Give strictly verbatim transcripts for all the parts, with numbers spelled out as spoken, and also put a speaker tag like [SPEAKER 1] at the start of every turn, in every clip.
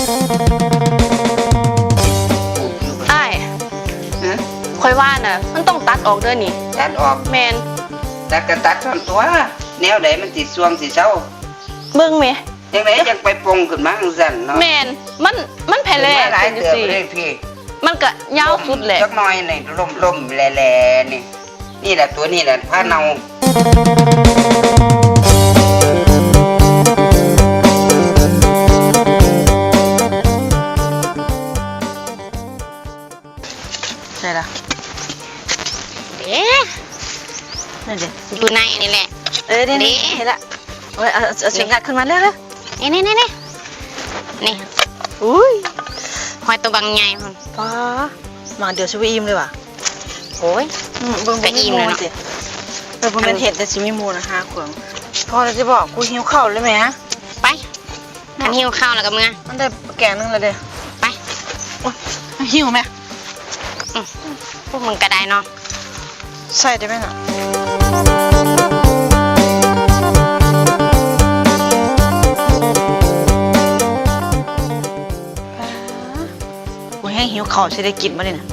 [SPEAKER 1] อ้ายค่อยว่าน่ะมันต้องตัดออกเด้อนี่
[SPEAKER 2] ตัดออก
[SPEAKER 1] แมน
[SPEAKER 2] ตัดก็ตัดท่อนตัวแนวใดมันสิสวงสิเศร้า
[SPEAKER 1] เบิ่งแม่
[SPEAKER 2] จังไดจังไปปรุงขึ้นมาจังซั่นเนาะ
[SPEAKER 1] แมนมันมันแผ่แล
[SPEAKER 2] หลายเติบเลยพี่
[SPEAKER 1] มันก็ยาวสุดแหละ
[SPEAKER 2] จักหน่อยนี่ล่มๆแลๆนี่นี่แหละตัวนี้แหละผ้าเนา
[SPEAKER 3] ใช่ละ
[SPEAKER 1] เอ๊ะ
[SPEAKER 3] นั่นดิ
[SPEAKER 1] อยู่ในนี่แหละ
[SPEAKER 3] เออนี่นี่เห็นละโอ้ยเอาเอาเสียงงัดขึ้นมาเร็ว
[SPEAKER 1] ๆนี่นี่นี่นี่นี่
[SPEAKER 3] อุ้ย
[SPEAKER 1] หอยตัวบางใหญ่มัน
[SPEAKER 3] ป้ามาเดี๋ยวชิวอิ่มเลยว่ะ
[SPEAKER 1] โอ้ย
[SPEAKER 3] เบิ่งอิ่มเลยเนาะเออผมเป็นเห็ดแต่ชิมิมูนะฮะขวงพอจะบอกกูหิวข้าวเลยไหมฮะ
[SPEAKER 1] ไปอันหิวข้าวแล้วกับมึง
[SPEAKER 3] มันได้แกงนึงเลยเด้
[SPEAKER 1] ไป
[SPEAKER 3] หิวไหม
[SPEAKER 1] พวกมึงก็ได้เนาะ
[SPEAKER 3] ใส่ได้ไหมน่ะกูแห้งหิวข้าวใช้ได้กินมาเลยนะ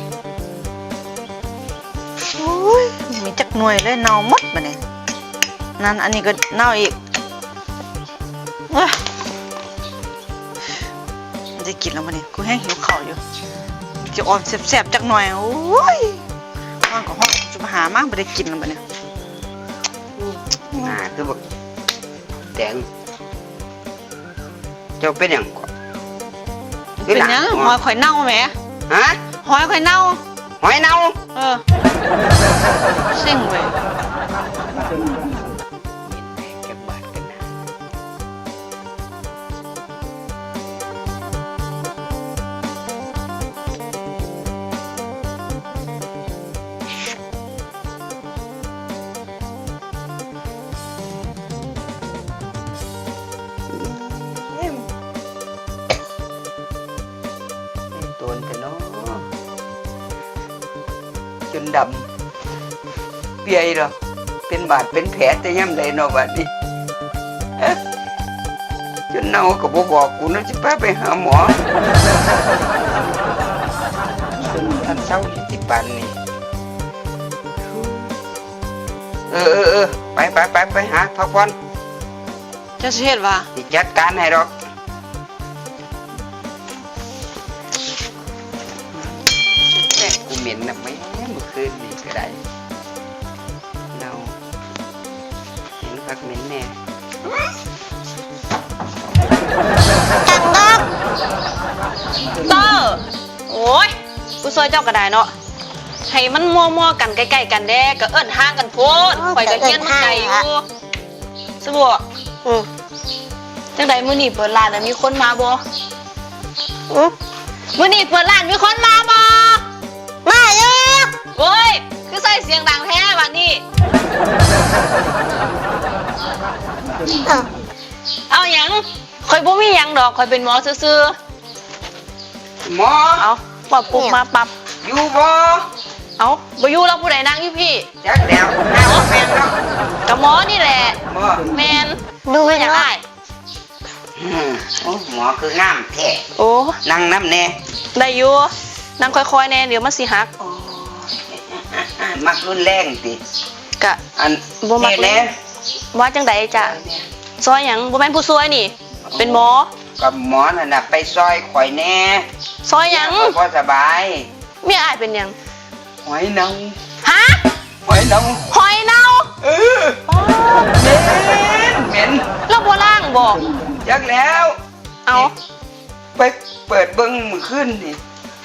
[SPEAKER 3] โอ้ยมีจักหน่วยเลยเน่าหมดมาเนี่ยนั่นอันนี้ก็เน่าอีกว้าได้กินแล้วมาเนี่ยกูแห้งหิวข้าวอยู่จะออมแซ่บๆจักหน่อยโอ้ยห้องกับห้องจะมาหามากไม่ได้กินแล้วมาเนี่ย
[SPEAKER 2] อ่าคือบอกแตงเจ้าเป็นอย่างก่อน
[SPEAKER 3] เป็นยังหอยข่อยเน่าไหม
[SPEAKER 2] ฮะ
[SPEAKER 3] หอยข่อยเน่า
[SPEAKER 2] หอยเน่า
[SPEAKER 3] เออสิ่งเว้ย
[SPEAKER 2] ตัวกันเนาะจนดำเปียหรอเป็นบาดเป็นแผลแต่ย่ำใดเนาะบัดนี้จนเน่าก็บ่บอกกูนะจะพาไปหาหมอจนอันเศร้าอยู่ที่ปันนี่เออเออเออไปไปไปไปหาพักผ่อน
[SPEAKER 3] จะเสียดว่า
[SPEAKER 2] จัดการให้หรอกแม่กูเหม็นนะไม่เมื่อคืนนี่ก็ได้เราเห็นพักเหม็นแน่
[SPEAKER 1] จังดอกเตอร์โอ้ยกูซอยเจ้าก็ได้เนาะให้มันมัวๆกันใกล้ๆกันแด้ก็เอิ้นห่างกันโพดข่อยก็เฮียนใจอยู่สบัวอือจังใดมื้อนี้เปิดร้านน่ะมีคนมาบ่อือมื้อนี้เปิดร้านมีคนมาบ่มาอยู่โอ้ยคือใส่เสียงดังแท้บัดนี้เอาหยังข่อยบ่มีหยังดอกข่อยเป็นหมอซื่อ
[SPEAKER 2] ๆหมอ
[SPEAKER 1] เอาปรับปุ๊บมาปรับ
[SPEAKER 2] อยู่บ่
[SPEAKER 1] เอาบ่อยู่แล้วผู้ใดนั่งอยู่พี่
[SPEAKER 2] จักแล้วหน้าแฟนเนาะ
[SPEAKER 1] กับหมอนี่แหละแมนดูไม่อยากได้
[SPEAKER 2] โอ้หมอคืองามแท้
[SPEAKER 1] โอ้
[SPEAKER 2] นั่งน้ำแน่
[SPEAKER 1] ได้อยู่นั่งค่อยๆแน่เดี๋ยวมันสิหัก
[SPEAKER 2] มักรุนแรงติ
[SPEAKER 1] กะ
[SPEAKER 2] อันบ่มักแน่
[SPEAKER 1] ว่าจังใดจ้ะซอยหยังบ่แม่นผู้ซวยนี่เป็นหมอ
[SPEAKER 2] กับหมอนั่นน่ะไปซอยข่อยแน่
[SPEAKER 1] ซอยหยัง
[SPEAKER 2] บ่สบาย
[SPEAKER 1] เมียอ้ายเป็นหยัง
[SPEAKER 2] หอยเน่า
[SPEAKER 1] ฮะ
[SPEAKER 2] หอยเน่า
[SPEAKER 1] หอยเน่า
[SPEAKER 2] เออเหม็นเหม็น
[SPEAKER 1] แล้วบ่ล้างบ่
[SPEAKER 2] จักแล้ว
[SPEAKER 1] เอา
[SPEAKER 2] ไปเปิดเบิ่งมื้อคืนนี่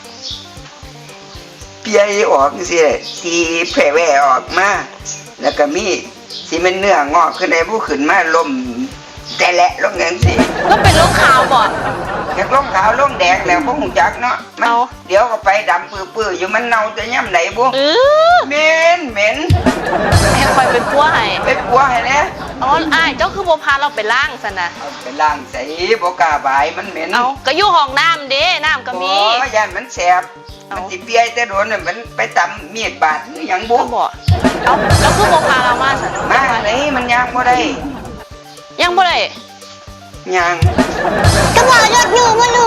[SPEAKER 2] เปียออกสิสีแผ่แว่ออกมาแล้วก็มีสิมันเนื้องอกขึ้นได้ผู้ขึ้นมาลมแต่แหละลงจังซี่
[SPEAKER 1] แล้วเป็นโรคขาวบ่
[SPEAKER 2] อยากลงขาวลงแดงแล้วบ่ฮู้จักเนาะมันเดี๋ยวก็ไปดำปื้อๆอยู่มันเน่าจะย่ำไหนบ่
[SPEAKER 1] เออ
[SPEAKER 2] เหม็นเหม็น
[SPEAKER 1] ให้คอยเป็นปัวให้
[SPEAKER 2] เป็นปัวให้แน่
[SPEAKER 1] อ๋ออ้ายเจ้าคือบ่พาเราไปล้างซั่นน่ะ
[SPEAKER 2] เอาไปล้างใส่บ่กล้าบายมันเหม็น
[SPEAKER 1] เอาก็อยู่ห้องน้ำเด้น้ำก็มี
[SPEAKER 2] โอ้ย่านมันแสบมันสิเปียแต่โดนน่ะมันไปตำมีดบาดหรือหยังบ่
[SPEAKER 1] บ่เอาแล้วคือบ่พาเรามาซั่น
[SPEAKER 2] มาไหนมันย่างบ่ได้
[SPEAKER 1] ยังบ่ได้
[SPEAKER 2] ย่าง
[SPEAKER 4] ก็บอกยอดอยู่บ่รู้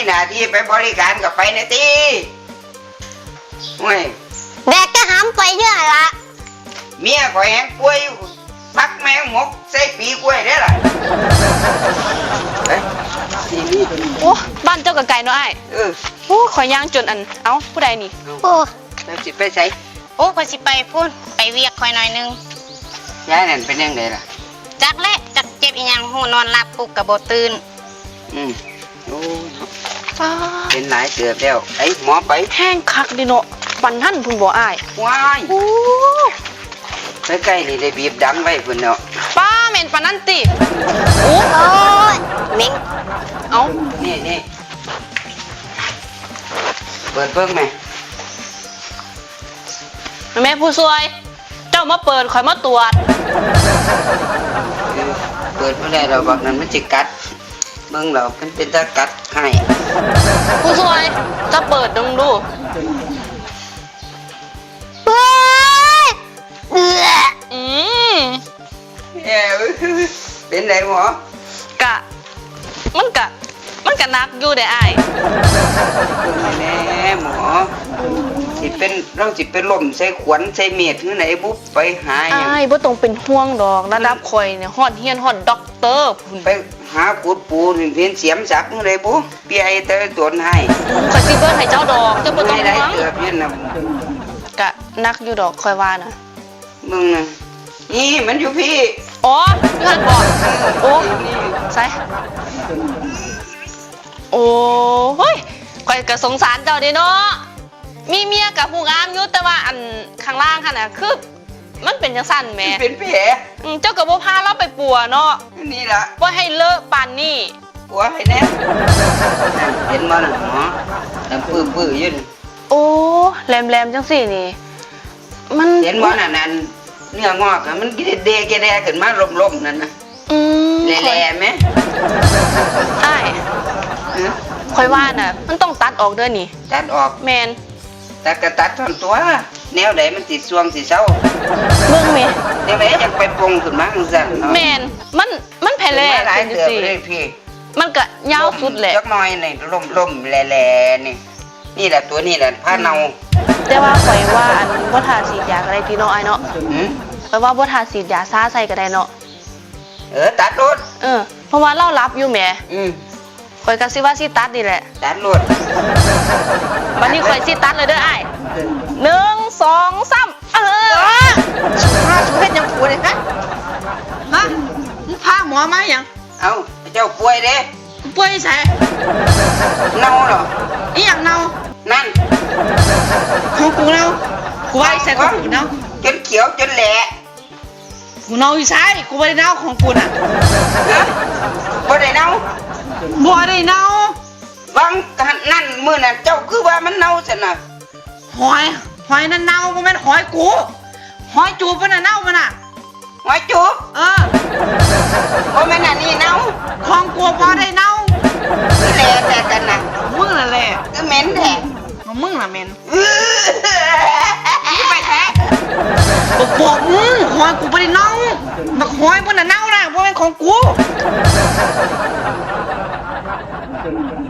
[SPEAKER 2] หน้าที่ไปบริการกับไปนะตีเว้ย
[SPEAKER 4] แบกกระหำไปเยอะละ
[SPEAKER 2] เมียข่อยแหงป่วยอยู่พักแมงหมกใส่ปีกล้วยได้ล่ะเฮ้ยทีนี้ตัวนี้
[SPEAKER 1] โอ้บ้านเจ้ากับไก่เนาะไอ้าย
[SPEAKER 2] เออ
[SPEAKER 1] โอ้ข่อยย่างจนอันเอ้าผู้ใดนี่
[SPEAKER 4] โอ้
[SPEAKER 2] แล้วสิไปใส่
[SPEAKER 4] โอ้พอสิไปพูดไปเวียกคอยหน่อยนึง
[SPEAKER 2] ยายนั่นเป็นยังไงล่ะ
[SPEAKER 4] จักและจักเจ็บอีหยังหูนอนหลับปลุกกับโบตื่น
[SPEAKER 2] อืมโอ้ย
[SPEAKER 1] ฟ้า
[SPEAKER 2] เป็นหลายเกือบแล้วไอ้หมอไป
[SPEAKER 1] แห้งคักดิเนาะปันท่านพุ่นบ่อ้าย
[SPEAKER 2] ว้าย
[SPEAKER 1] โอ้
[SPEAKER 2] ใกล้ๆนี่ได้บีบดังไว้เพิ่นเนาะ
[SPEAKER 1] ป้าแม่นปานนั้นติโอ้
[SPEAKER 4] โอ้ยเหม็ง
[SPEAKER 1] เอ้า
[SPEAKER 2] นี่นี่เปิดเบิ่งไหม
[SPEAKER 1] แม่ผู้ช่วย เจ้ามาเปิดข่อยมาตรวจ
[SPEAKER 2] เออเปิดบ่ได้เราบักนั้นมันสิกัดเบิ่งเรามันเป็นตากัดให้
[SPEAKER 1] ผู้ช่วยจะเปิดดงดู
[SPEAKER 4] เฮ้ยเอือ
[SPEAKER 1] อืม
[SPEAKER 2] แย่เว้ยเป็นไดหมอก
[SPEAKER 1] ะ มันกะ มันกะนักอยู่ได้อ้าย
[SPEAKER 2] เบิ่งให้แน่หมอสิเป็นเราสิเป็นลมใส่ขวัญใส่เม็ดจังไดบุบไปหาหยัง
[SPEAKER 1] อ้ายบ่ต้องเป็นห่วงดอกระดับข่อยเนี่ยฮอดเฮียนฮอดด็อกเตอร์พุ่น
[SPEAKER 2] ไปหาขุดปูนี่เพียนเสียมสักจังไดบุเปียไอ้เตอตนให้
[SPEAKER 1] ข่อยสิเบิ่งให้เจ้าดอกเจ้าบ่ต้อง
[SPEAKER 2] ให้ได้
[SPEAKER 1] ห่วง
[SPEAKER 2] เกือบยืนน่ะ
[SPEAKER 1] กะนักอยู่ดอกข่อยว่านะ
[SPEAKER 2] มึงน่ะนี่มันอยู่พี่
[SPEAKER 1] อ๋อเพื่อนบอกโอ้
[SPEAKER 2] นี่
[SPEAKER 1] ใส่โอ้เฮ้ยข่อยก็สงสารเจ้าเด้เนาะมีเมียกับผู้งามอยู่แต่ว่าอันข้างล่างหั่นน่ะคือมันเป็นจังซั่นแหม
[SPEAKER 2] เป็นแผล
[SPEAKER 1] อืมเจ้าก็บ่พาเราไปปัวเนาะ
[SPEAKER 2] นี่ล่ะ
[SPEAKER 1] บ่ให้เลอะปานนี้
[SPEAKER 2] หัวให้แน่เห็นบ่น่ะหมอน้ำปื้อๆอยู่นี่
[SPEAKER 1] โอ้แหลมๆจังซี่นี่ มัน
[SPEAKER 2] เห็นบ่น่ะนั่นเนื้องอกอะมันเดะแกแดขึ้นมาล่มๆนั่นน่ะ
[SPEAKER 1] อืม
[SPEAKER 2] แหล่ๆไหม
[SPEAKER 1] อ้าย
[SPEAKER 2] เออ
[SPEAKER 1] ข่อยว่าน่ะ มันต้องตัดออกเด้อนี่
[SPEAKER 2] ตัดออก
[SPEAKER 1] แม่น
[SPEAKER 2] ตัดก็ตัดท่อนตัว แนวใดมันสิสวงสิเซา
[SPEAKER 1] เบิ่งแม่
[SPEAKER 2] แนวใดจังไปปรุงขึ้นมาจังซั่นเนาะ
[SPEAKER 1] แม่นมันมันแผ่แล
[SPEAKER 2] หลาย
[SPEAKER 1] เป็นจั
[SPEAKER 2] เตื
[SPEAKER 1] ง
[SPEAKER 2] อบ
[SPEAKER 1] ซี่
[SPEAKER 2] เลยพี่
[SPEAKER 1] มันก็ยาวสุดแหละ
[SPEAKER 2] จักหน่อยนี่ล่มๆแหล่ๆนี่ นี่แหละตัวนี่แหละผ้าเนา
[SPEAKER 1] แต่ว่าข่อยว่าอันบ่ทาสีดยาก็ได้ติเนาะอ้ายเนาะ
[SPEAKER 2] หืม
[SPEAKER 1] ข่อยว่าบ่ทาสีดยาซ่าใส่ก็ได้เนาะ
[SPEAKER 2] เออตัดรถ
[SPEAKER 1] เออเพราะว่าเรารับอยู่แหม
[SPEAKER 2] อืม
[SPEAKER 1] ข่อยก็สิว่าสิตัดนี่แหละ
[SPEAKER 2] ตัดรถ
[SPEAKER 1] บัดนี้ข่อยสิตัดเลยเด้ออ้ายหนึ่งสองสามเออ
[SPEAKER 3] พาสูเฮ็ดหยังกูเลยฮะฮะมึงพาหมอมาหยัง
[SPEAKER 2] เอาเจ้าป่วยเด้
[SPEAKER 3] มึงป่วยใส่
[SPEAKER 2] เน่าเหรอ
[SPEAKER 3] อีหยังเน่า
[SPEAKER 2] นั่น
[SPEAKER 3] ของกูเน่ากูว่าอีใส่ของกูเน่า
[SPEAKER 2] จนเขียวจนแหละ
[SPEAKER 3] กูเน่าอีใส่กูบ่ได้เน่าของกูน่ะ
[SPEAKER 2] ฮะบ่ได้เน่า
[SPEAKER 3] บ่ได้เน่า
[SPEAKER 2] บางนั่นมื้อนั้นเจ้าคือว่ามันเน่าซั่นน่ะ
[SPEAKER 3] หอยหอยนั่นเน่าบ่แม่นหอยกูหอยจูบมันน่ะเน่ามันน่ะ
[SPEAKER 2] หัวจุบ
[SPEAKER 3] เออ
[SPEAKER 2] บ่แม่นอันนี้เน่า
[SPEAKER 3] ของกูบ่ได้เน่า
[SPEAKER 2] คือแหละแต่กันน่ะ
[SPEAKER 3] มึงนั่นแหละ
[SPEAKER 2] คือเหม็นแท้
[SPEAKER 3] ของมึงน่ะแม่น
[SPEAKER 2] อื้อ
[SPEAKER 3] นี่ไปแท้บอกบอกมึงหอยกูบ่ได้เน่าบักหอยมันน่ะเน่าน่ะบ่แม่นของกู